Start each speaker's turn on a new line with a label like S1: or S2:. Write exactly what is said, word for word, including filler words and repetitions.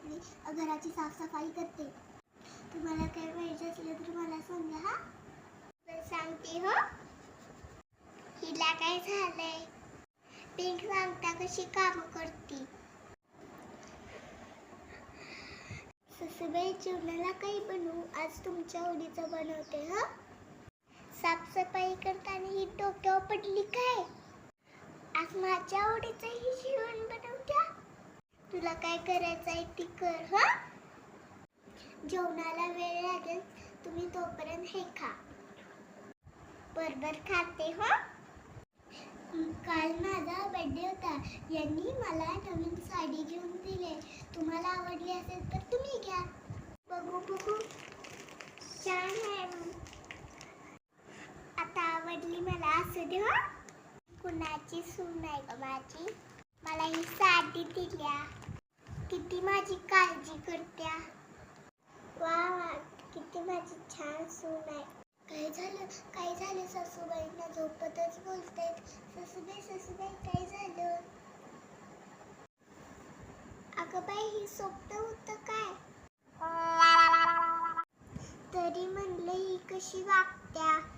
S1: रात्री घराची साफसफाई करते. तुम्हाला काही पाहिजे असलं तर मला सांगा हा. तर सांगते हो. हिला काय झालंय? पिंक सांगता कशी काम करते. सासूबाई जेवणाला काही बनवू? आज तुमच्या आवडीचं बनवते हा. साफसफाई करताना ही डोक्यावर पडली काय? आज माझ्या आवडीचं ही जेवण बनवत्या. तुला काय करायचंय ती कर हा. जेवणाला वेळ लागेल, तुम्ही तोपर्यंत हे खा. बरोबर खाते हो. काल माझा बर्थडे होता. यांनी मला नवीन साडी घेऊन दिली. तुम्हाला आवडली असेल तर तुम्ही घ्या. बघू बघू छान आहे. आता आवडली मला असू दे हो. कुणाची सून आहे ग माझी? मला ही साडी दिल्या. किती माझी काळजी करत्या. वा वा, किती माझी छान सून आहे. काय झालं काय झालं सासूबाईंना झोपतच बोलतायत. सासूबाई सासूबाई काय झालं? अगं बाई, ही स्वप्न होतं काय? तरी म्हणलं ही कशी वागत्या.